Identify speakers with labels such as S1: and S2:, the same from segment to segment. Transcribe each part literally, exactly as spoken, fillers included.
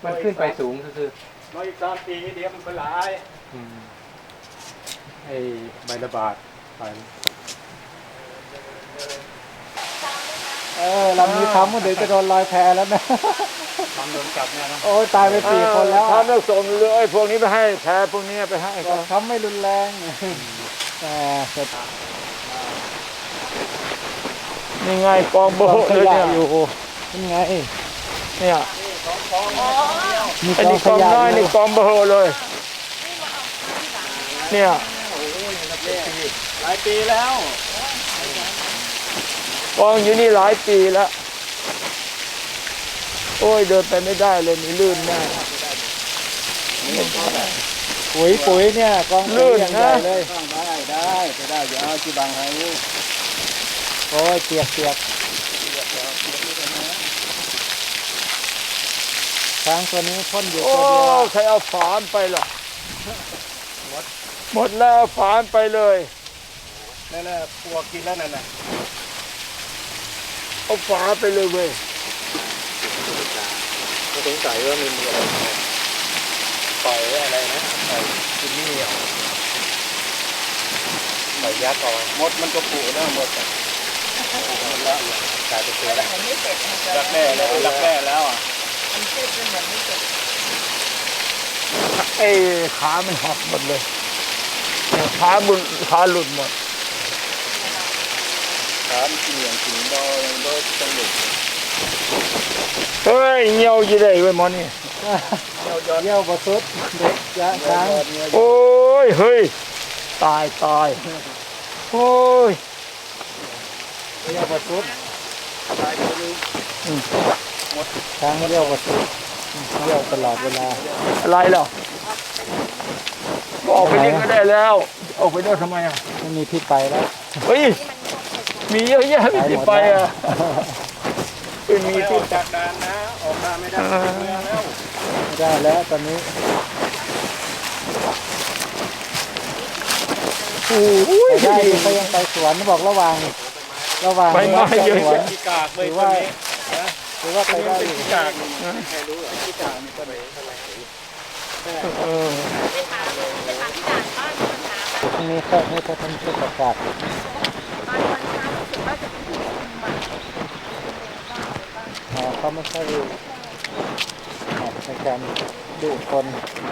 S1: มันขึ้นไปสูงคือ
S2: รออีกสามปีเดี๋ยวมันก็หลาย
S1: ไอ้ใบระบาดไป
S3: เออลำนี้ทำเดี๋ยวจะโดนลอยแพแล้วนะ
S1: ทำโดนจับเนี่ยนะ
S3: โอ้ยตายไปสี่คนแล้ว
S2: ทำแล้วส่งเลยพวกนี้ไปให้แพ้พวกนี้ไปให้
S3: ก็ทำไม่รุนแรงแต่
S2: นี่ไงกองโบเลยเนี่ย
S3: อยู่นี่ไง
S2: เนี่ยอันนี้กองน้อยนี่กองโบเลยเนี่ย
S1: หลายปีแล้ว
S2: กองอยู่นี่หลายปีแล้วโอ้ยเดินไปไม่ได้เลยนี่ลื่นแน่
S3: ปุ๋ยปุ๋ยเนี่ยกอง
S2: ลื่นนะ
S3: เลย
S1: ได้ได้จะได้อย่าเอาที่บางให้
S3: โอ้ยเปียกเปียกช้างตัวนี้พ่นอยู่ตัวเดียว
S2: ใครเอาฝานไปล่ะหมดแล้วฝานไปเลย
S1: นั่นน่ะปวกกินแล้วนั่นน่ะ
S2: เอาฝาไปเลยเว้ย
S1: ก็สงสัยว่ามันมีอะไรปล่อยอะไรนะปล่อยกินนี่เหรอปล่อยยักษ์ออกมดมันก็ปูแล้วหมดอ่ะหมดแล้วกลายเป็นตัวแล้วรักแน่แล้วรักแน่แล้วอ่ะ
S4: มันเจ็บเป็นเหมือนไม่เจ็บ
S2: ไอ้ขามันหักหมดเลยขาบุญขาหลุดหมด
S1: ขามันเกี่ยงถึงดอยดอยต้องหลุด
S2: เฮ้ยเงี้ยวยี่ได้เว้ยมอนี่
S3: เงี้ยวประสุดเด็กยะช้าง
S2: โอ้ยเฮ้ยตายตายโอ้ย
S3: เงี้ยวประสุด
S1: ตายไปเลย
S3: หมดช้างเงี้ยวประสุดเงี้ยวตลอดเวลา
S2: อะไรหรอออกไปนี่ก็ได้แล้วออกไปได้ทำไมอ่ะ
S3: ไม่มีที่ไปแล้ว
S2: เฮ้ยมีเยอะแยะไม่ที่ไปอ่ะ
S1: ไม่มีที่จากด่านนะออกมาไม่ได้เมืองแล้ว
S3: ไม่ได้แล้วตอนนี้
S2: โอ้ย
S3: ได้ไปยังไปสวนบอกระหว่างระหว่าง
S2: ไปมาเยอะแยะ
S1: ที่กากเลย
S3: ว่าหรือว่าไปได้
S1: ที่กากใครรู้ที่กากมีต้นไหนเท่าไหร่
S2: เออ
S4: ไปถามไปถามที่ด่านบ้านคนถามนะ
S3: นี่เขาให้เขาทำชุดประกาศ
S4: ตอนวันเช้ารู้สึกว่าจะเป็นที่ชุมมัน
S3: อ๋อเขาไม่ใช่ในการดูคน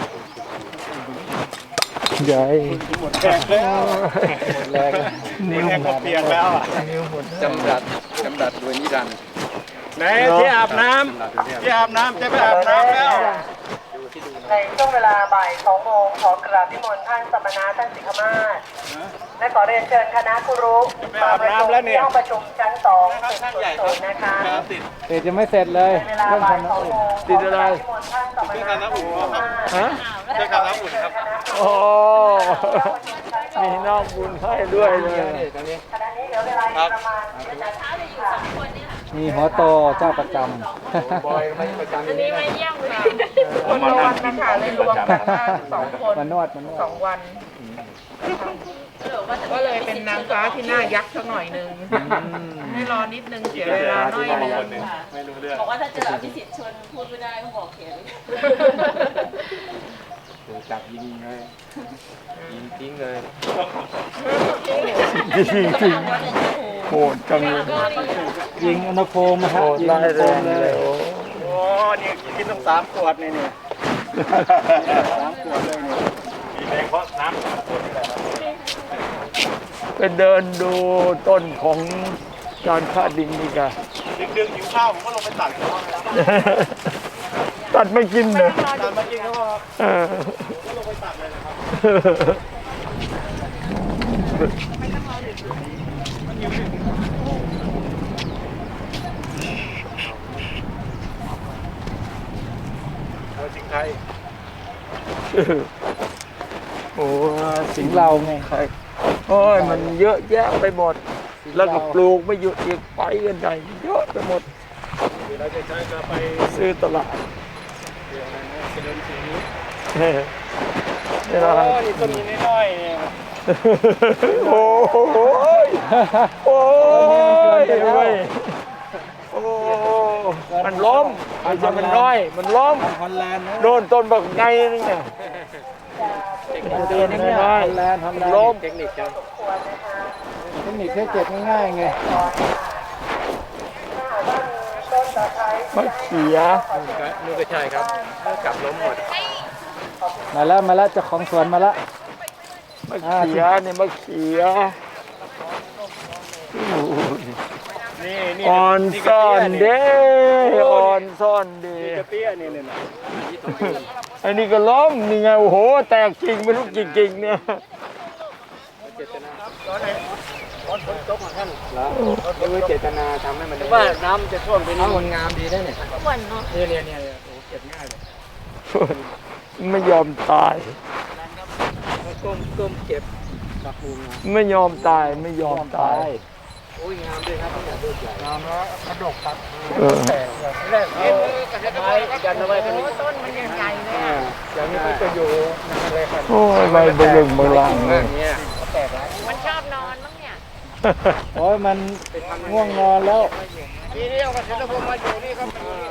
S2: ใหญ่
S1: หมดแรงแล้ว
S3: หมดแรง
S1: นิ้วหมดเปียกแล้วอ่ะ
S2: นิ้วหมด
S1: จำดัดจำดัดด้วยนิรันดร์ไหนที่อาบน้ำที่อาบน้ำจะไปอาบน้ำแล้ว
S4: ในช่วงเวลาบ่ายสองโมงขอกราบนิมนต์ท่านสมณะท่านสิกขมาศและขอเรียนเชิญคณะครูรุมาประชุมที่ห้องประชุมชั้นสองตึกศูนย์นะคะ
S3: เสร็จจะไม่เสร็จเลย
S4: เวลาบ่ายสองโมง
S2: ติดอะไร
S1: ที่คณะอุ่น
S2: ฮะ
S1: ที่คณะอุ่นครับ
S2: โอ้มีน้องบุญให้ด้วยเลย
S4: ขณะนี้เหลือเวลาประมาณเช้าจะอยู่สองคนนี่ค่ะ
S3: มีหัวโตเจ้าประจ
S1: ำบอยไม่ประจำ
S4: อันนี้ไม่เยี่ยมเลยคนละวันนะคะเลยรวมกันสองคน
S3: มานวดมานวด
S4: สองวันก็เลยเป็นนางฟ้าที่หน้ายักษ์สักหน่อยนึงให้รอนิดนึงเสียเวลาหน่อยนึง
S1: ไม่รู้เรื่อง
S4: บอกว่าถ้าเจออภิสิทธิ์ชวนพูดไม่ได้ก็บอกเขียน
S1: จับยิงเลยยิงทิ้งเลย
S2: ยิงทิ้งโหดจังเลย
S3: ยิงอนุโคมนะครับยิงอนุโคมเลย
S1: โอ้นี่กินต้องสามขวดนี่เนี่ยสามขวดเลยนี่มีแรงเพราะน้ำสามขวดนี่แหละ
S2: ไปเดินดูต้นของการฆ่าดินนี่กัน
S1: ดึกๆหิวข้าวผมก็ลงไปตัด
S2: ตัดไม่กินเลย
S1: ตัดไม่กินเขาบอกก็ลงไปตัดเลยนะครับเอาสิงไทย
S2: โอ้
S3: สิงเราไง
S2: โอ้ยมันเยอะแยะไปหมดแล้วก็ปลูกไม่หยุดอีกไปกันใหญ่เยอะไปหมด
S1: เราจะใช้จะไป
S2: ซื้อตลาด
S1: เดี๋ยวนะเป็นต้นสีนี้
S2: นี่
S1: นะนี่ต้นนี้น้อยเนี่ย
S2: โอ้โหโอ้ยโอ้มันล้มไม่ใช่มันน้อย มันล้ม
S3: ฮอลแลนด์นะ
S2: โดนต้นบักไงนึงเนี่ย
S3: ตัวนี้เนี่ยฮอลแลนด์ฮอลแลนด์
S2: ล้ม
S1: เทคนิคจัง
S3: เทคนิคแค่เก็บง่ายๆไง
S2: มะเขีย
S1: นู่นก็ใช่ครับกลับล้มหมด
S3: มาแล้วมาแล้วเจ้าของสวนมาแล้ว
S2: มะเขียเนี่ยมะเขีย
S1: นี่นี่
S2: อ่อนซ่อนเด้อ่อนซ่อนเด้
S1: กระเปี้ยนี่เนี่ยนะ
S2: ไอ้นี่ก็ล้มนี่ไงโอ้โหแตกจริงไม่รู้จริงๆเนี่ย
S1: ไม่รู้เจตนาทำให้มันว่าน้ำจะท่วมไปนี่มันงามดีได้เนี่ยเนี่ยเนี่ยเนี่ยโอ้เก็บง่ายเลย
S2: ไม่ยอมตาย
S1: ก้มก้มเก็บกับปูงาม
S2: ไม่ยอมตายไม่ยอมตาย
S1: โอ้ยงามด้วยครับเนี่ยลูกใหญ่งามแล้วกระดกครับ
S2: เออ
S1: แรกเอาไม้ยันเอาไว้กันนี่ต้นมันยังใหญ่เลยอย่างนี้มันจะอยู่นั่นเลยครับ
S2: โอ้ยใบบลึงบลังเลย
S1: เนี่ย
S5: มันชอบนอนมั้งเนี่ย
S3: โอ้ยมันง่วงนอนแล้ว
S1: ทีเดียวกับเสร็จแล้วผมมาอยู่นี่ครับ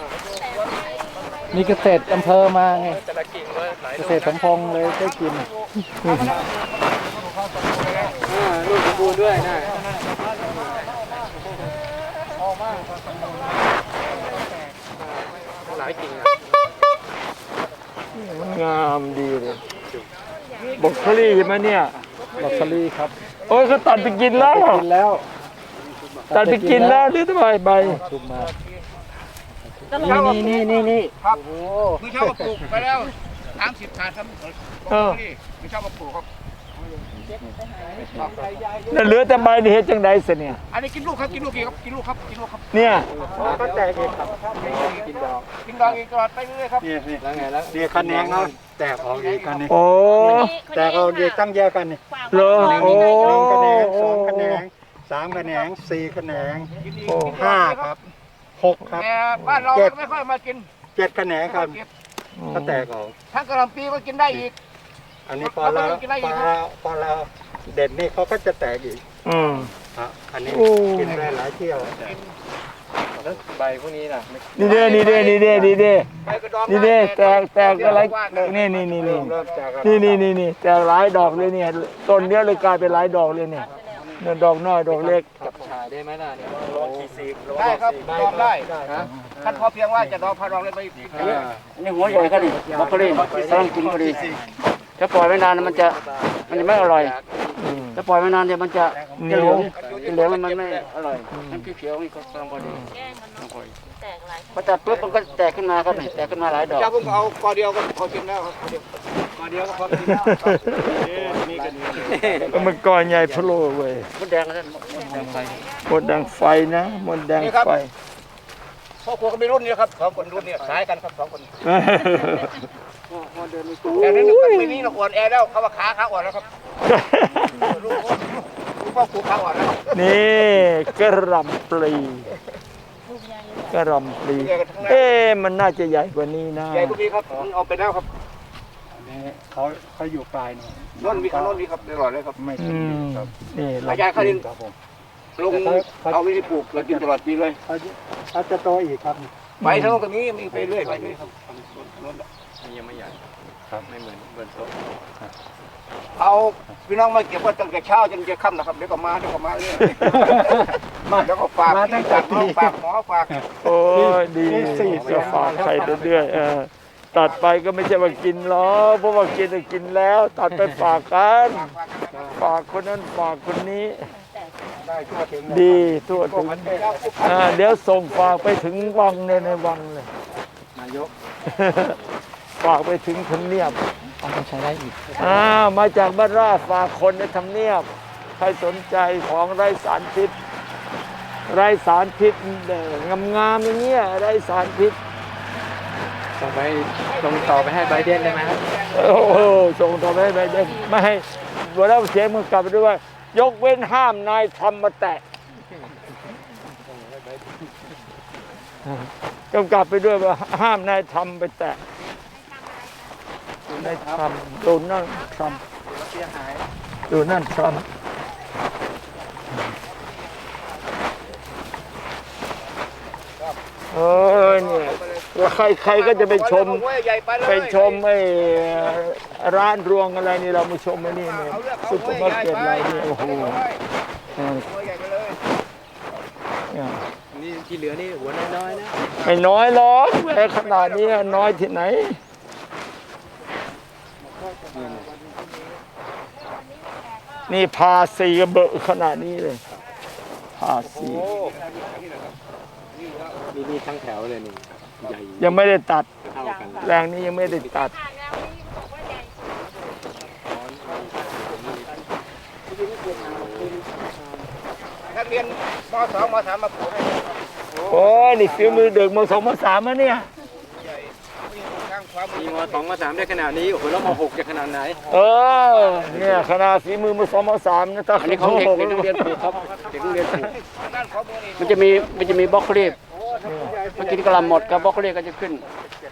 S3: มีเกษตรอำเภอมาไง
S1: แต่ละกิ่งเลยหลาย
S3: เกษตรสมพงษ์เลยได้กิน
S1: ลูกสมบูรณ์ด้วยนะหลายกิ่ง
S2: มันงามดีเลยบอกคลี่ใช่ไหมเนี่ย
S3: บรอกโคลีครับ
S2: โอ้ยเขาตัดไปกินแล้ว
S3: กินแล้ว
S2: ตัดไปกินแล้วหรือทำไมใบ
S3: ชุบมา
S1: นี่นี่นี่นี่ครับโอ้ไม่ชอบมาปลูกไปแล้วสามสิบถาดครับ
S2: เออ
S1: ไม่ชอบมาปลูกครับ
S2: นั่นเหลือแต่ใบนี่เฮ็ดจังไดสิเนี่ย
S1: อันนี้กินลูกครับกินลูกกี่ครับกินลูกครับกินลูกครับ
S2: เนี่ย
S1: ก็แตกเองครับกินดอกกินดอกอีกตลอดไปเรื่อยๆครับนี่นี่แล้วไงแล้วนี่คะแนนเนาะแตกออกอีกกันนี่
S2: โอ้
S3: แตกออกอีกตั้งเยอะกันนี่
S2: เหรอโอ้
S3: หนึ่งคะแนนสองคะแนนสามคะแนนสี่คะแนน
S2: โอ้
S3: ห้าครับหกครับ
S1: แต่บ้านเราไม่ค่อยมากิน
S3: เจ็ดคะแนนครับก็แตกออก
S1: ทั้งกระหล่ำปีก็กินได้อีก
S3: อันนี้พอเราพอเราพอเราเด่นนี่เขาก็จะแตกอีก
S2: อืม
S3: ครับอันนี้
S2: โอ้
S3: กินได้หลายเที่ยว
S1: แล้วใบพวกนี้ล่ะ
S2: นี่เด้นี่เด้นี่เด้นี่เด้
S1: ใบกระดอง
S2: นี่เด้แตกแตกอะไรนี่นี่นี่นี่
S3: เริ่มจาก
S2: นี่นี่นี่นี่แตกหลายดอกเลยเนี่ยต้นเนี้ยเลยกลายเป็นหลายดอกเลยเนี่ยเนี่ยดอกน้อยดอกเล็ก
S1: จับฉายได้ไหมล่ะเนี่ยลองขีซีได้ครับดองได้ท่านพอเพียงว่าจะดองพาดองเลยไปอีก
S6: นี่หัวใหญ่ครับนี่บรอกโคลีกำลังกินพอดีถ้าปล่อยไว้นานมันจะมันจะไม่อร่อย
S2: อืม
S6: ถ้าปล่อยไว้นานเดี๋ยวมันจะ
S2: เหนี
S6: จะ
S2: ยว
S6: เหลืองจะเหลืองมันไม่อร่อยน้ำเขียวๆนี่ก็กำลังพอดี
S5: แกล้งมันเนาะแตกหลาย
S6: พอตัดปุ๊บมันก็แตกขึ้นมาครับนี่แตกขึ้นมาหลายดอก
S1: เจ้าผมเอากอเดียวก็พอกินแล้วครับกอเดียวก็พอกินแล้วนี่กันนี่
S2: มันก่อนใหญ่พะโลเว้ย
S6: มดแดงนะท่านมดแดงไฟ
S2: หมดแดงไฟนะหมดแดงไฟ
S1: พ่อครัวก็มีรุ่นนี้ครับสองคนรุ่นนี้สายกันครับสองคนแต่นั้นปีนี้เราอ่อนแอแล้วเขาว่าขาขาอ่อนแล้วครับลูกพ่อครูขาอ่อนแล้ว
S2: นี่กระหลำปลีกระหลำปลีเอ๊ะมันน่าจะใหญ่กว่านี้นะ
S1: ใหญ่กว่านี้ครับมันเอาไปแล้วครับ
S3: เขาเขาอยู่ปลายหน่อย
S1: น่นมีขนนมีครับตลอดเลยครับ
S3: ไม่
S2: อืมนี่
S1: ระยะเขาดิน
S3: ครับผม
S1: ลงเอาวิธีปลูกเรากินตลอดปีเลย
S3: เขาเขาจะโตอีกครับ
S1: ใบทั้งตรงนี้มีไปเรื่อยไปเรื่อยครับ
S6: ยังไม่ใหญ่ครับไม่เหมือนเหมือนโต๊ะ
S1: เอาพี่น้องมาเก็บไว้ตั้งแต่เช้าจนจะค่ำนะครับเดี๋ยวก็มาเดี๋ยวก็มาเรื่อยมาแล้วก็ฝากที่ฝากน้องฝากหมอฝาก
S2: โอ้ยดีจะฝากใครเรื่อยๆเออตัดไปก็ไม่ใช่ว่ากินหรอกเพราะว่ากินน่ะกินแล้ว ตัดไปฝากกันฝากคนนั้นฝากคนนี้
S1: ได้ทั่วถึง
S2: ดีทั่วถึงอ่าเดี๋ยวส่งฝากไปถึงวังในในวังเลย
S6: นายก
S2: ฝากไปถึงทำเนียบ
S6: ต้องใช้ได้อีก
S2: อ่ามาจากบ้านราชฝากคนในทำเนียบ ใครสนใจของไร้สารพิษ ไร้สารพิษงามๆอย่างเงี้ยไร้สารพิษ
S6: ต่อไปลงต่อไปให้ไบเดนได้ไหมครับ
S2: โอ้โหส่งต่อไปให้ไบเดนไม่ให้เวลาเสียงมันกลับไปด้วยว่ายกเว้นห้ามนายทำมาแตะกำกับไปด้วยว่าห้ามนายทำไปแตะนายทำดูนั่นทำดูนั่นทำเออเนี่ยใครใครก็จะไปชม
S1: ใหญ่ไปเลย
S2: ไปชมไอ้ร้านรวงอะไรนี่เรามาชมไอ้นี่เนี่ยซุปเปอร์มาร์เก็ตอะไรนี่โอ้โหเออ
S1: ใหญ่ไปเลย
S2: เนี่ย
S3: นี่ที่เหลือนี่หัวน้อยๆนะ
S2: ไม่น้อยหรอกแหวขนาดนี้น้อยที่ไหนนี่พาสีกระเบอะขนาดนี้เลยพาสี
S3: นี่นี่ทั้งแถวเลยนี่ใหญ่
S2: ยังไม่ได้ตัด
S3: เท่ากัน
S2: แรงนี้ยังไม่ได้ตัด
S5: ผ่านแล้วนี่บอกว่าใหญ่สุด
S1: นักเรียนม สอง ม สามมาปลูกให้
S2: โอ้ยนี่ฝีมือเด็กมสองมสามแล้วเนี่ย
S1: ใหญ่ข้างความ
S3: มีมสองมสามได้ขนาดนี้โอ้โหแล้วมหกจะขนาดไหน
S2: เออเนี่ยขนาดฝีมือมสองมสามนะถ้า
S6: อันนี้ของเด็กเด็กนักเรียนปลูกครับเด็กนักเรียนปลูก
S1: ด้านขอมือนี่
S6: มันจะมีมันจะมีบล็อกโคลีฟมันกินกระหลำหมดกับบล็อกโคลีฟก็จะขึ้น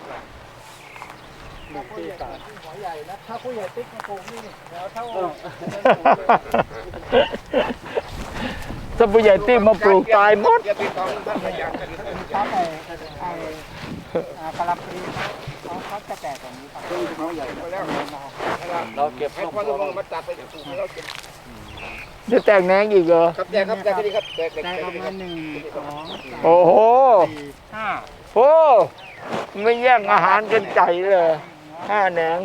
S2: ถ้าผู้ใหญ่ติ๊กมาปลูกตายหมด
S1: อย่าไปตองท่านอยากกัน
S3: ครับไอ้ไอ้กะลำปลีเขาเขาจะแตกแบบนี้ครับ
S1: เราเก็บให้พ่อลูกมาตัดไปปลูกให้เราเก็บ
S2: จะแตกแหนงอีกเหรอ
S1: ครับแจกครับแจกดีครับแจกแจก
S3: ได้
S1: แจก
S3: ประ
S1: ดีค
S3: มา
S1: รับ
S3: ณหนึ่งสองสาม
S2: โอ้โห
S3: สี่ห้า
S2: โอ้ไม่แย่งอาหารกันใจเลยห้าแหนง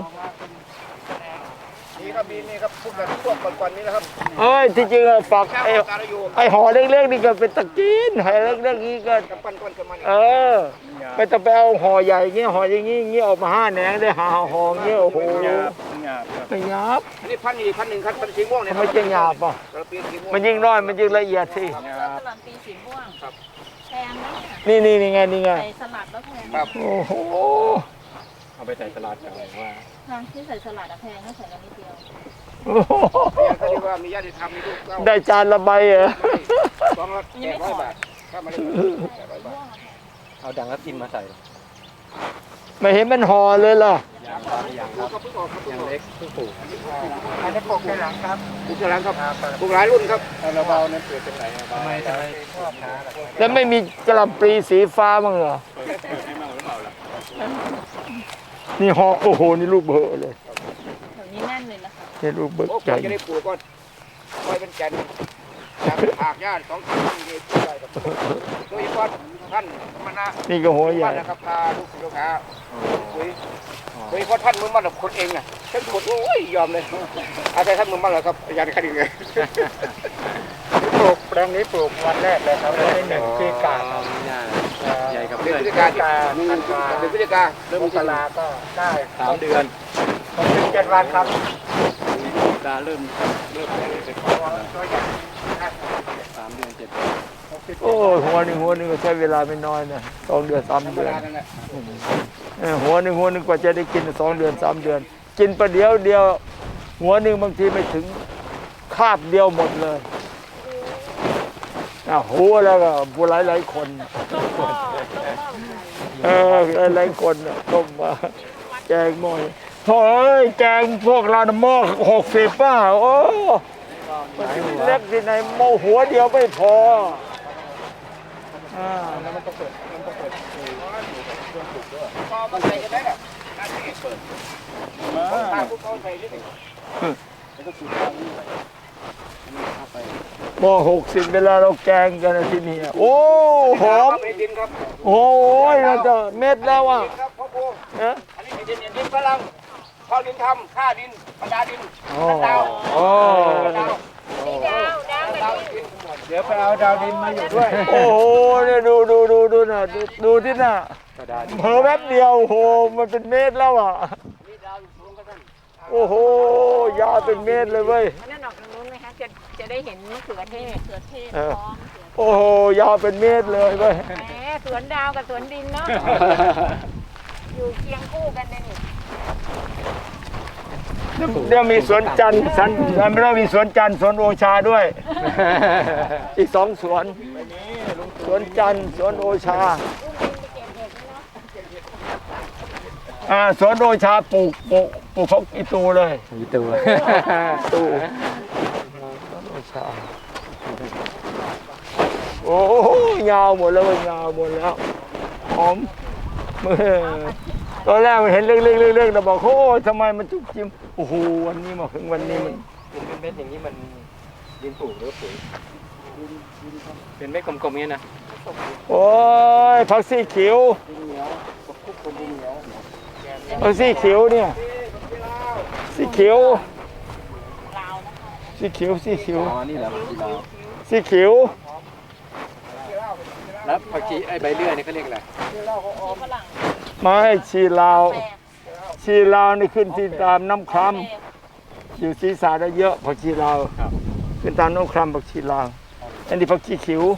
S1: นี่ครับมีนี่ครับพวกแบบพวกก่อนๆนี้นะครับ
S2: เอ้ยที่จริงอะฝัก
S1: ข้าว
S2: ไอ้
S1: ตาลอยู่
S2: ไอ้ห่อเล็กๆนี่ก็เป็นตะกินห่อเล็กๆนี่ก็
S1: กับปั้นก้อนกับมัน
S2: เออไม่ต้องไปเอาห่อใหญ่เงี้ยห่ออย่างงี้งี้ออกมาห้าแหนงได้หาห่อเงี้ยโอ้โหไม่หยาบ
S1: อันนี้พันนี่พันหนึ่งครับพันสีม่วงเนี่ย
S2: ไม่จะหยาบอ่ะ
S1: เราเปลี่ยนสีม่วง
S2: มันยิ่งน้อยมันยิ่งละเอียดสิ
S5: ๆแล้วกะหล่ำปีสีม่วงแพงนะ
S2: นี่นี่นี่ไงนี่ไง
S5: ใส่สลัดแล้วแพง
S1: ครับ
S2: โอ้โห
S3: เอาไปใส่ตลาดกันว่า
S5: ทางที่ใส่สลัดอะแพงก็ใส่กันนิดเดียว
S2: โอ้โห
S1: เขาเรียกว่ามีญาติธรรมมีลูกเต้า
S2: ได้จานละใบเหรอ
S1: สองร้อยแปดร้อยบาทถ้ามาได้แปดร้อยบาท
S3: เอาดังแล้วกินมาใส่
S2: ไม่เห็นมันห่อเลยล่ะ
S3: ยางครับยางครับ
S1: ก็เพิ่งออกครับ
S3: ยางเล็กเพิ่งปลูก
S1: อันนี้ปลูกในหลังครับปลูกในหลังครับปลูกหลายรุ่นครับ
S3: เราเบานั้นเกิดเป็นไหนทำไมทำไมชอบช้าล่ะ
S2: แล้วไม่มีกระหล่ำปลีสีฟ้าบ้างเหรอ
S3: ให้เมาหรือเปล่าล่ะ
S2: นี่ห่อโอ้โหนี่ลูกเบอะเลย
S5: แถวนี้แน่นเลยนะคะ
S2: นี่ลูกเบอะ
S1: โอ้
S2: ใหญ่
S1: จะได้ปลูกก็คอยเป็นแก่นจากผากญาติสองคนนี่ปลูกได้ครับโดยเฉพาะท่านมณะ
S2: นี่ก็หัวใหญ่
S1: นะครับพาลูกศิษย์ลูกหาคุยโดยเฉพาะท่านมือมันแบบคนเองอ่ะท่านคนโอ้ยยอมเลยอาศัยท่านมือมันเหรอครับอาจารย์คดีเลย
S3: ปลูกแปลงนี้ปลูกวันแรกเลยครับวันที่หนึ่งที่กาครับ ใหญ่กับ
S1: เดื
S3: เพื่
S1: อน
S3: อน
S1: พฤศจิกาเดือนพฤศจิกาเริ่ม
S3: ม
S1: มี
S3: กราก็ได้สามเดือนหกสิบเจ็ดวันครับตาเริ่มเริ่มเป็นสามเดือนเจ็ด
S2: โอ้ยหัวหนึ่งหัวหนึ่งก็ใช้เวลาไม่น้อยนะสองเดือนสาม
S1: ธรรม
S2: เดือน
S1: ดานั่นแหละ
S2: เออหัวหนึ่งหัวหนึ่งกว่าจะได้กินสองเดือนสามเดือน กินประเดี๋ยวเดียว หัวหนึ่งบางทีไม่ถึงคาบเดียวหมดเลยอ่ะหัวแล้วก็ผู้หลายหลายๆคน
S5: ต้มหม้อต้มหม้อไก่
S2: เออหลายหลายๆคนน่ะต้มมาแกงหม้อโถ่เอ้ยแกงพวกเราน่ะหม้อหกสิบป้าโอ้มันจะมีเล็กที่ไหนหม้อหัวเดียวไม่พออ่า
S1: พอมันใส่กันได้แบบนั่นเองเปิดตาพวกเขาใส่นิดนึง
S2: หม้อหกสิบเวลาเราแกงกันนะที่นี่โอ้หอม
S1: ไม่ดินครับ
S2: โอ้ยเราจะเม็ดแล้วอ่ะ
S1: ครับพ่อครู
S2: เอ๊ะ
S1: อันนี้ดินดินฝรั่งพอดินทำค่าดินบรรดาดิน
S2: โอ้
S1: ดาว
S2: โอ้
S1: ดาว
S5: นี่ดาวดาวแบบ
S1: ดาว
S5: นี้
S1: ดิน
S3: เดี๋ยวไปเอาดาวดินมาอยู่ด้วย
S2: โอ้โหเนี่ยดูดูดูดูน่ะดูดูที่น่ะ
S3: กระดาษ
S2: เผลอแป๊บเดียวโอ้โหมันเป็นเมตรแล้วอ่ะโอ้โหยาวเป็นเมตรเลยเว้ย
S5: อันนั้นออกทางนู้นไหมคะจะจะได้เห็นมะเขือเทศมะเขือเทศ
S2: เออ
S5: พร้อม
S2: โอ้โหยาวเป็นเมตรเลยเว้ย
S5: แหมสวนดาวกับสวนดินเนาะอยู่เคียงคู่กันเลยนี่
S2: เดี๋ยวมีสวนจันทร์สันไม่ต้องมีสวนจันทร์สวนโอชาด้วย อีกสองสวน สวนจันทร์สวนโอชาอ่าสวนโอชาปลูกปลูกปลูกเขาอีตูเลย
S3: มีตัว
S2: ตูสวนโอชาโอ้โหยาวหมดแล้วเว้ยยาวหมดแล้วหอมเมื่อตอนแรกมันเห็นเล็กๆเล็กๆแต่บอกโอ้ยทำไมมันจุกจิ้มโอ้โหวันนี้มาถึงวันนี้มัน
S3: เป็นเม็ดอย่างนี้มันดินปลูกหรือปุ๋ยเป็นเม็ดกลมๆนี้นะ
S2: โอ้ยผักสีเขียวผักสีเขียวเนี่ยสีเขียวสีเขียวสีเขียว
S3: อ๋อนี่เหรอที่เรา
S2: สีเขียว
S3: แล้วผักชีไอ้ใบเลื่อยนี่เขาเรียกอะไร
S2: ไม้ชีลาวชีลาวนี่ขึ้นที่ตามน้ำคล้ำอยู่ศีรษะได้เยอะผักชีลาวขึ้นตามน้ำคล้ำผักชีลาวอันนี้ผักชีเขียว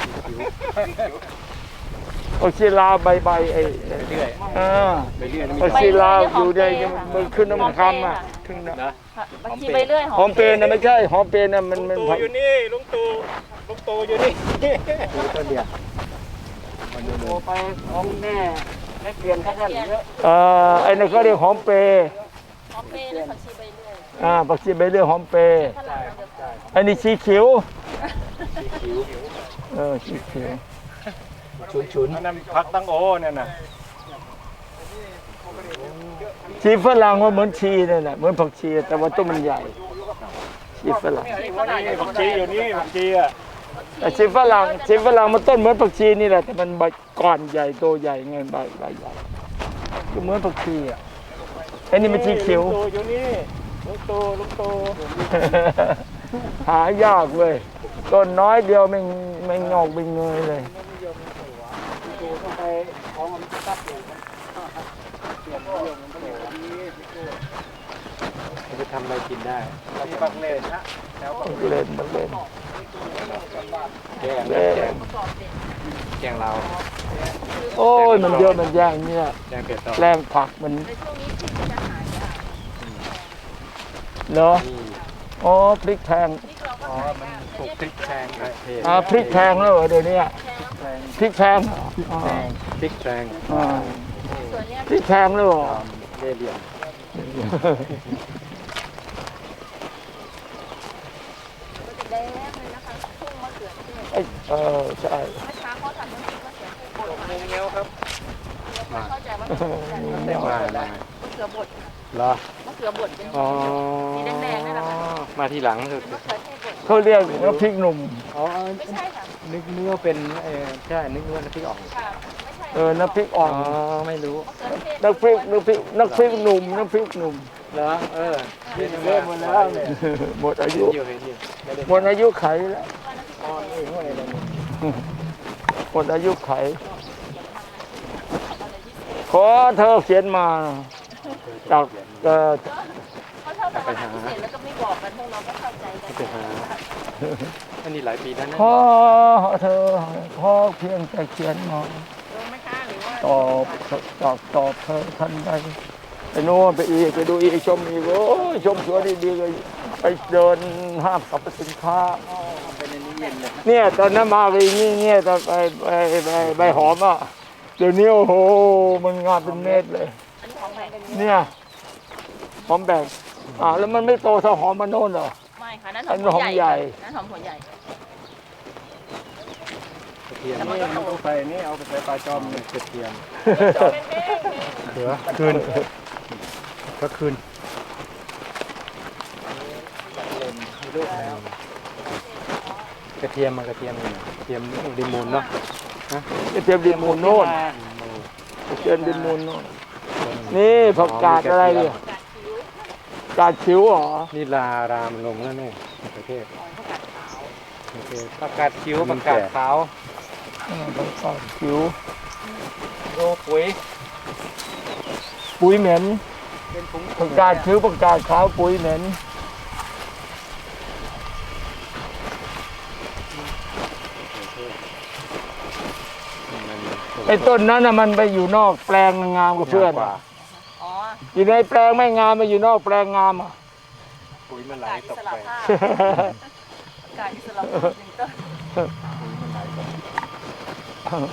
S2: ผักชีลาวใบใบไอ้
S3: เลื่อย
S2: อ่า
S3: ใบเลื่อยนี่มี
S2: ผักชีลาวอยู่ในมันขึ้นน้ำคล้ำอ่ะขึ้นน้
S3: นะ
S5: บักชีใบเลื่อย
S2: ำหอมเปรย์นะไม่ใช่หอมเปรย์นะมันมัน
S1: ตู่อยู่นี่ลุงตู่ลุงตู่อยู่นี่
S3: ดูต้นเดียว
S6: โอ้ไปของแม่ให้เปลี่ยนแค่นั้นเยอะ
S2: เอ่อไอ้นั่นก็เรียกหอมเปรย์
S5: หอมเปรย์และผักชีใบเลื่อย
S2: อ่าผักชีใบเลื่อยหอมเปรย์
S5: ฝรั่งเราเดียวกัน
S2: อันนี้ชีเขียว
S3: คิ้ว
S2: เออชีเขียว
S3: ชุนชุน
S1: อันนั้นพักตั้งโอเนี่ยนะ
S2: ชีฝรั่งว่าเหมือนชีนั่นแหละเหมือนผักชีแต่ว่าต้นมันใหญ่ชีฝรั่ง
S1: ผักชีอยู่นี่ผักชีอ่ะ
S2: แต่ชีฝรั่งชีฝรั่งมันต้นเหมือนผักชีนี่แหละแต่มันใบก้อนใหญ่โตใหญ่ไงใบใบใหญ่ก็เหมือนผักชีอ่ะอันนี้มันชีเขียว
S1: ลุงตู่อยู่นี่ลุงตู่ลุงตู่
S2: หายากเว้ยต้นน้อยเดียวไม่ไม่งอกไม่เงยเลย
S6: ไปของมันตัดอยู่
S3: มันจะทำอะไรกินได้
S1: ที่บังเลนฮะ
S2: มันเล่นมันเล่น
S3: แกง
S2: เล่
S3: แก
S2: น
S3: งแกงเรา
S2: โอ้ยมันเยอะมันแย่งเนี่ย
S3: แกงเป็ดต่อ
S2: แรงผักมัน
S5: ในช่วงนี้พริกจะหายาก
S2: เนาะ
S3: นี่
S2: อ๋อพริกแพง
S5: พริกเราก็หายาก
S3: ปลูกพริกแพงประเทศ
S2: อ่าพริกแพงแล้วเหรอเดี๋ยวนี้พริกแพงอ๋อ
S3: พริกแพง
S2: อ่า
S5: ส่วนเนี้ย
S2: พริกแพงแล้วเหรอ
S3: เล่เหลี่ยม
S5: ก็จะแดงเลยนะคะทุ่งมะเขือเทศ
S2: ไอ้เออใช่
S5: เมื่อเช้าเขาทำน้ำพริกมะเขือเทศบดมา
S1: เงี้ยวครับ
S5: ไม่เข้าใจว่ามันคืออะไรมะ
S3: ได้มาได้
S5: เขือบด
S3: เหรอ
S5: มะเขือบดเป็น
S3: อ๋อ
S5: สีแดงๆนี่แหละค่ะ
S3: มาทีหลังสุด
S5: มะเขือเทศบด
S2: เขาเรียกว่าพริกหนุ่ม
S3: อ๋อ
S5: ไม่ใช่ค่ะ
S3: นึกนึกว่าเป็นเออใช่นึกว่าน้ำพริกอ่อง
S5: ค่ะไม่ใช่
S2: เออน้ำพริกอ่อ
S3: อ๋อน ไม่รู้
S5: มะเขือเทศ
S2: น้ำพริกน้ำพริกน้ำพริกหนุ่มน้ำพริกหนุ่ม
S3: เหรอเออ
S2: เริ่มหมดแล้วเนี่ยหมดอายุ
S3: อยู่เห็นอยู่ไม่ได้
S2: หมดอายุไขแล้วหมดอายุไข ขอเธอเขียนมาจากเอ่อ
S5: เขาชอบทำอาหารพิเศษแล้วก็ไม่บอกกันพวกเราก็เข้าใจกัน
S3: ไปหาอันนี้หลายปีแล้วนะ
S2: ขอเธอขอเพียงแต่เขียนมา
S5: ลงไหมคะหรือว่า
S2: ตอบตอบตอบเธอทันใดไปโน่นไปอีกไปดูอีกชมอีกโอ้ยชมสวนดีๆเลยไปเดินห้างสรรพสินค้า
S3: เป็นอันนี้เย็นเลย
S2: เนี่ยตอนนั้นมาไปนี่เนี่ยตอนไปไปไปใบหอมอ่ะเดี๋ยวนี้โอ้โหมันงามเป็นเม็ดเลย
S5: อันนี้ของแพง
S2: เนี่ยหอมแบ่งอ่าแล้วมันไม่โตเท่าหอมมันโน่นเหรอ
S5: ไม่ค่ะนั่น
S2: อัน
S5: หอมหัวใหญ่
S2: หอมใหญ่
S5: นั่นหอมหัวใหญ่
S3: กระเทียม
S1: นี่มันต้องใส่นี่เอาไปใส่ปลาจอมเนี่ย
S3: กระเทียม
S5: เป็นเบ้ง
S3: เหลือคืนก็คืนกระเทียมมากระเทียมนี่กระเทียมดิมูลเนาะ
S2: กระเทียมดินมูลโน่นกระเทียมดินมูลโน่นนี่ผักกาดอะไรเนี่ยกาดคิ้วเหรอ
S3: นี่ลารามลงแล้วเนี่ยประเทศประเทศประกาศคิ้วประกาศขาว
S2: อ่าผักกาดคิ้ว
S3: โรปุ๋ย
S2: ปุ๋ยเหม็น
S3: เป็นถุง
S2: ผักกาดคิ้วผักกาดขาวปุ๋ยเหม็นไอ้ต้นนั้นน่ะมันไปอยู่นอกแปลงงามกับเพื่อน
S5: อ๋อ
S2: อยู่ในแปลงไม่งามมาอยู่นอกแปลงงามอ่ะ
S3: ปุ๋ยมันไหล
S5: กาดอิ
S3: ตก
S5: ส
S3: ไป
S5: ระภาพกาดอิสระภาพหนึ่งต้น
S3: มันไหลตก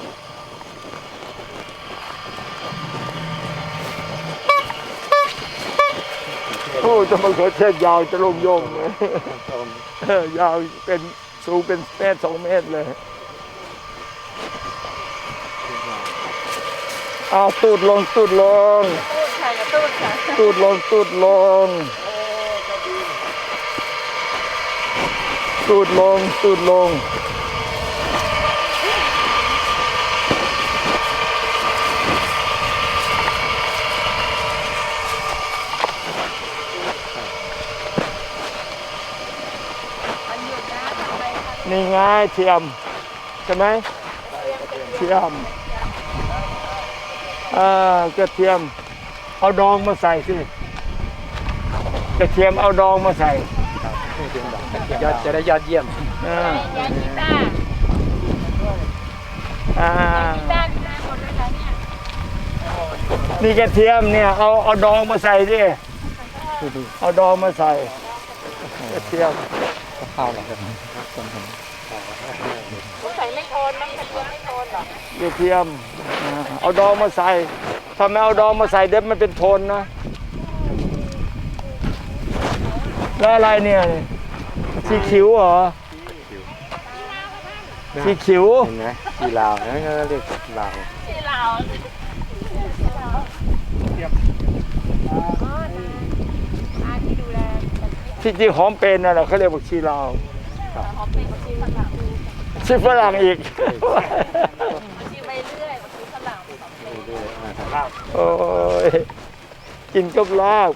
S2: โอ้จะมาเขือเทศยาวจะลงโยงเลยเออยาวเป็นสูงเป็นเมตรสองเมตรเลย อเอาตูดลงตูดลง
S5: ตูดค่ะอย่าตูดค่ะ
S2: ตูดลงตูดลงตูดลงตูดลงนี่ไงเทียมใช่ไหมเทียมอ่ากระเทียมเอาดองมาใส่สิกระเทียมเอาดองมาใส่
S3: ยอดจะได้ยอดเยี่ยม
S2: อ่า
S5: แกงกีตาร์
S2: อ่า
S5: กีตาร์กีตาร์หมดเลยค่ะเนี่ย
S2: นี่กระเทียมเนี่ยเอาเอาดองมาใส่ดิเอาดองมาใส่กระเทียม
S3: ข้าวหรอครับ
S5: ผมใส่ไม่โทนมั้งกระเทียมไม่โทนหรอก
S2: ระเทียมอ่าเอาดองมาใส่ถ้าไม่เอาดองมาใส่เด็บมันเป็นโทนนะแล้วอะไรเนี่ยสีขิวเหรอสีขิว
S3: เห็นไหมชีลาวนั่นก็เรียกลาว
S5: ที่เราอาที่ดูแล
S2: ที่จริงหอมเป็นน่ะแหละเขาเรียกว่าชีลาว
S5: หอมเป็นบางทีฝรั่ง
S2: ชีฝรั่งอีก
S5: บางทีไปเรื่อยบางทีฝรั่งหอมเป็น
S2: โอ้ยกินกับลาบ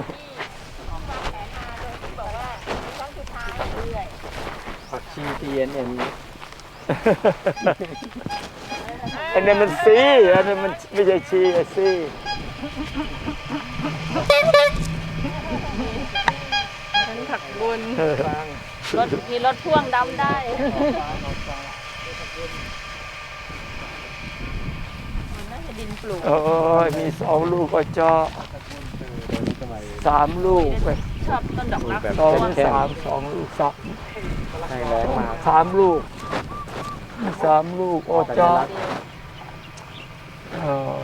S5: บอกว่าครั้งสุดท้ายเรื่อย
S3: ผักชีทีเอ็นเอ็น
S2: อันนี้มันซีอันนี้มันไม่ใช่ชีอะซี
S5: ผักบุญรถมีรถพ่วงดำได้มันน่าจะดินปลูก
S2: โอ้ยมีสองลูกก็เจาะสามลูกไป
S5: ชอบต้นดอกรัก
S2: สองสามสองลูกสาม
S3: ให้แรงมา
S2: สามลูกสามลูกโอ้เจาะเออ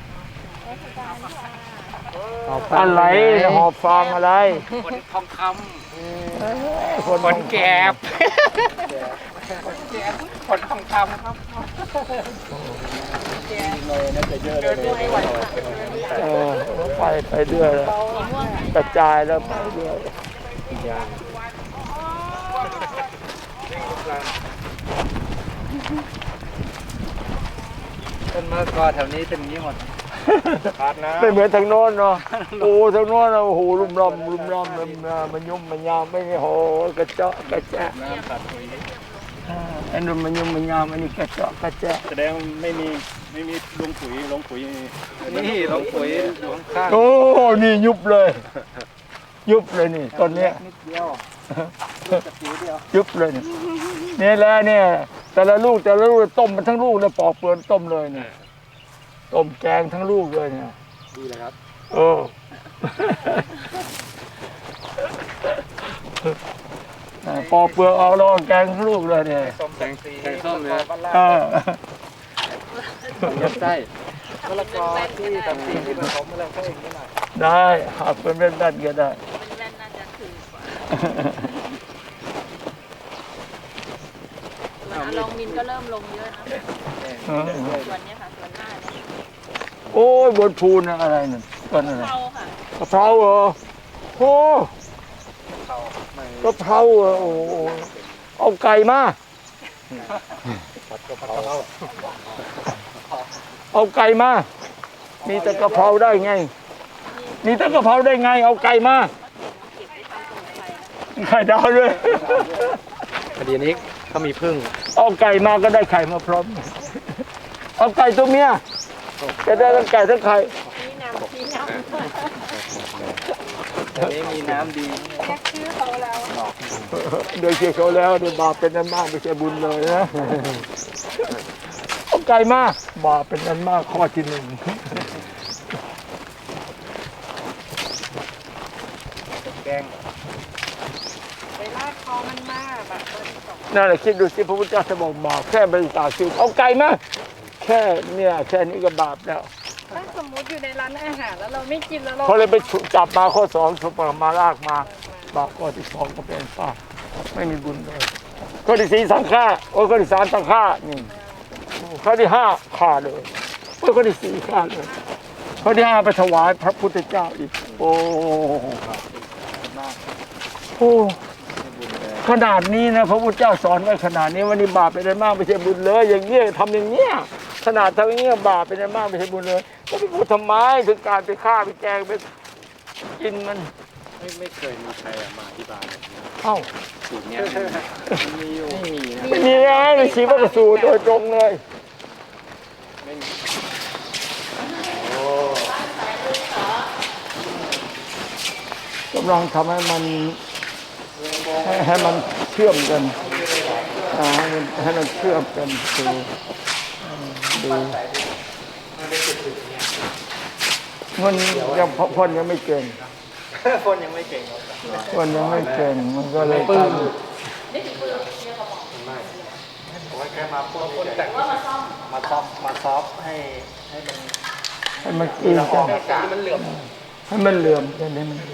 S2: อะไรหอบฟางอะไร
S3: คนทองค
S2: คน
S3: ำคนแกบคนทองคำครับ
S2: เออไปไปเรื่อยแล้วกระจายแล้วไปเรื่อย
S3: ต้นมะละกอแถวนี้เป็นอย่างนี้หมดขาดน้ำ
S2: ไม่เหมือนทางโน้นเนาะโอ้ทางโน้นน่ะโอ้โหลุ่มล่ำลุ่มล่ำมันมันยุ่มมันยามไม่โหกระเจาะกระแจะ
S3: น้ำตัดปุ๋ย
S2: ไอ้นุ่มมันยุ่มมันยามอันนี้กระเจาะกระแจะ
S3: แสดงไม่มีไม่มีลงปุ๋ยลงปุ๋ยนี่ลงปุ๋ยอยู่ข้าง
S2: โอ้นี่ยุบเลย ยุบเลยนี่ตอนเนี้ย
S3: นิดเดียวจะผิวเดียว
S2: ยุบเลยนี่นี่แหละเนี่ยแต่ละลูกแต่ละลูกต้มมันทั้งลูกเลยปอกเปลือกต้มเลยเนี่ยต้มแกงทั้งลูกเลยเนี่ย
S3: ดีเลยครับ
S2: โอ้ปอกเปลือกเอาแล้วแกงทั้งลูกเลยเนี่ย
S3: ส้มแกงแกงส้มเลย
S2: เออ
S3: ยัดไส้มะละกอที่ตัดสีที่ผสมอะไรก็เองนิดหน่อย
S2: ได้หักเป็นแว่นๆก็ได้
S5: เป็นแว่นน่าจะถือกว่าส่วนอลองมินก็เริ่มลงเยอะนะส่วนเนี้ยค่ะส่วนหน้าเนี่ย
S2: โอ้ยบนภูนอะไรนั่นต้นอะไร
S5: เทาค่ะ
S2: กะเพราเหรอโอ้กะเพราเหรอโอ้โหเอาไก่มาเอาไก่มามีแต่กะเพราได้ไงมีแต่กะเพราได้ไงเอาไก่มาไข่ดาวด้วย
S3: คดีนี้เขามีพึ่ง
S2: เอาไก่มาก็ได้ไข่มาพร้อมเอาไก่ตัวเมียจะได้ทั้งไก่ทั้งไข่
S5: ชี้นำชี้นำ
S3: อันนี้มีน้ำดี
S5: แค่ชื่อเขาแล้ว
S2: โดยเชื่อเขาแล้วเดี๋ยวบาปเป็นนั้นมากไม่ใช่บุญเลยนะเอาไก่มาบาปเป็นนั้นมากข้อที่หนึ่ง
S3: แกง
S5: ไปลากคอมันมากแบบ
S2: นั่นแหละคิดดูสิพระพุทธเจ้าจะบอกบาปแค่บริจาคชีวิตเอาไก่มาแค่เนี่ยแค่นี้ก็บาปแล้ว
S5: ถ้าสมมุติอยู่ในร้านอาหารแล้วเราไม่กินแล้วเรา
S2: เขาเลยไปจับมาข้อสองสุปมาลากมาบาปข้อที่สองก็เป็นป้าไม่มีบุญเลยข้อที่สี่สังฆาโอ้ยข้อที่สามสังฆานี่ข้อที่ห้าฆ่าเลยแล้วก็ได้สี่ข้างเลยเขาได้เอาไปถวายพระพุทธเจ้าอีกโอ้โหขนาดนี้นะพระพุทธเจ้าสอนไว้ขนาดนี้วันนี้บาปเป็นอะไรมากไม่ใช่บุญเลยอย่างเงี้ยทำอย่างเงี้ยขนาดทำอย่างเงี้ยบาปเป็นอะไรมากไม่ใช่บุญเลยก็ไปพูดทำไมถึงการไปฆ่าไปแกงไปกินมัน
S3: ไม่ไม่เคยมีใครมาอธิบายแบบนี้
S2: เอ้า
S3: สูตรเนี้ยมีอยู่ไม่มีนะ
S2: ไม่มีนะในชีวประสูตรโดยตรงเลยกำลังทำให้มันให้ให้มันเชื่อมกันอ่าให้มันให้มันเชื่อมกันดูดูมันยังพ่นยังไม่เก่ง
S3: คนยังไม่เก่งครับ
S2: พ่นยังไม่เก่งมันก็เลยตั้ง
S3: ผมว่าแค่มาพ่นพ่นแต่งมาซ่อมมาซอฟมาซอฟให้ให้มัน
S2: ให้มันกิน
S3: ละอ
S2: กั
S3: อง
S2: น
S3: อากาศมันเหลื่อม
S2: ให้มันเหลื่อมกันให้มัน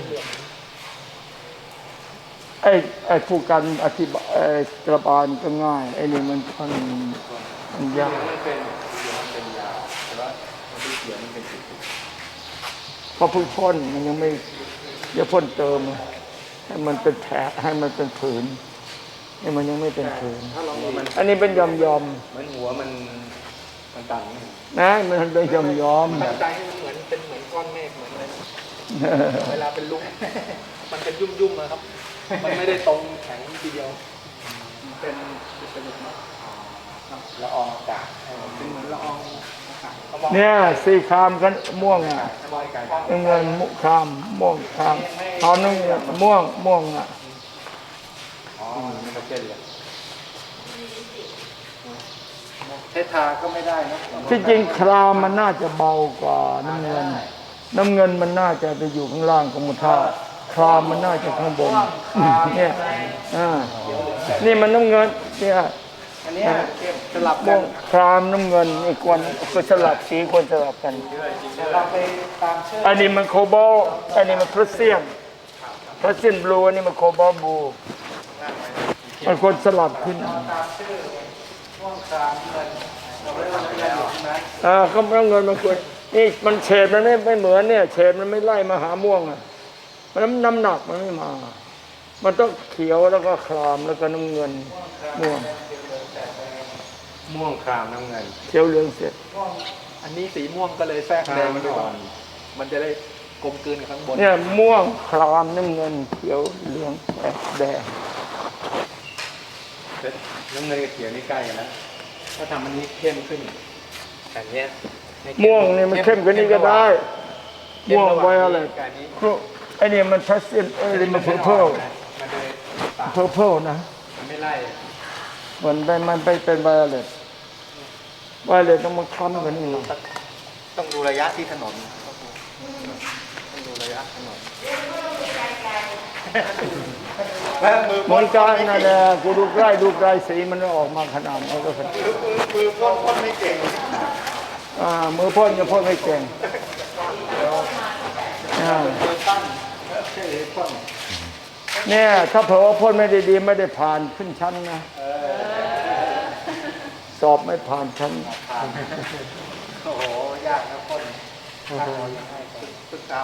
S2: ไอ้ไอ้ผู้กันอธิบายไอ้กระบาลก็ง่ายไอ้นี่มันมันมันยาก
S3: มันเป็นมันเป็นยาวแต่ว่ามันเป็นเสียมันเป็นจุด
S2: เพราะเพิ่งพ่นมันยังไม่อย่าพ่นเติมให้มันเป็นแผลให้มันเป็นผืนนี่มันยังไม่เป็นผืน
S3: ถ้าเราหัวมัน
S2: อันนี้เป็นยอมยอม
S3: เหมือนหัวมันมันตัน
S2: ๆนะมันเป็นยอมยอม
S3: ตั้งใจให้มันเหมือนเป็นเหมือนก้อนเมฆเหมือนอะไรเวลาเป็นลุ้งมันเป็นยุ่มยุ่มนะครับ มันไม่ได้ตรงแข็งทีเดียวเป็นเป็นละอองอากาศเป็นเหมือนละอองอากาศ
S2: เนี่ยสีครามกันม่วงอ่ะ
S3: บอยไก่
S2: น้ำเงินมุครามม่วงครามตอนนึงม่วงม่วงอ่ะ
S3: อ๋อมันก็เจ็ดเลยเททาก็ไม่ได้นะ
S2: ที่จริงครามมันน่าจะเบากว่าน้ำเงิน น้ำเงินมันน่าจะไปอยู่ข้างล่างของมุทาครามมันน่าจะข้างบนเนี่ยอ่านี่มันน้ำเงินเนี่ย
S3: อันนี้สลับ
S2: ม่
S3: กั
S2: วน งครามน้ำเงินอีกคนก็สลับสีควรสลับกัน
S3: เราไปตามชื่อ
S2: อันนี้มันโคบอลอันนี้มันพลัสเซียมพลัสเซียมบลูอันนี้มันโคบอลบลูมันควรสลับขึ้น
S3: ม่วงครามเงินเราไม่ได้ทำแล้วใช่ไหม
S2: อ่าก็น้ำเงินมันควรนี่มันเฉดมันไม่ไม่เหมือนเนี่ยเฉดมันไม่ไล่มาหาม่วงอ่ะมันน้ำน้ำหนักมันไม่มา มันต้องเขียวแล้วก็ครามแล้วก็น้ำเงินม่วง
S3: ม่วงครามน้ำเงิน
S2: เขียวเหลืองเสร็จ
S3: อันนี้สีม่วงก็เลยแทรกแดงมันอ่อนมันจะได้กลมกลืนกับข้างบน
S2: เนี่ยม่วงครามน้ำเงินเขียวเหลืองแดง
S3: น้ำเงินกับเขียวนี่ใกล้กันแล้วถ้าทำอันนี้เข้มขึ้นแต่เนี้ย
S2: ม่วงนี่มันเข้มกว่านี้ก็ได้ม่วงไว้อะไร
S3: การนี้
S2: ไอ้นี่มันพลัสเซียมไอ้นี่มันเพอร์เพล
S3: มันเลยปาก
S2: เพอร์เพลนะ
S3: มันไม่ไล่
S2: มันไปมันไปเป็นไวโอเลตไวโอเลตต้องมาคล้ำกันนี่หน่อย
S3: ต้องดูระยะที่ถนนต้องดูระยะถนนแล้วมือ
S2: เหมือนกันนั่นแหละกูดูใกล้ดูไกลสีมันออกมาขนาดนี้ก็ขนาด
S3: มือมือมือพ่นพ่นไม่เก่ง
S2: อ่ามือพ่นจะพ่นไม่เก่งอ่า
S3: มือตั้นใช่พ่น
S2: เนี่ยถ้าเผลอว่าพ่นไม่ได้ดีไม่ได้ผ่านขึ้นชั้นนะสอบไม่ผ่านชั้น
S3: โอ้โหยากนะพ่นศึกษา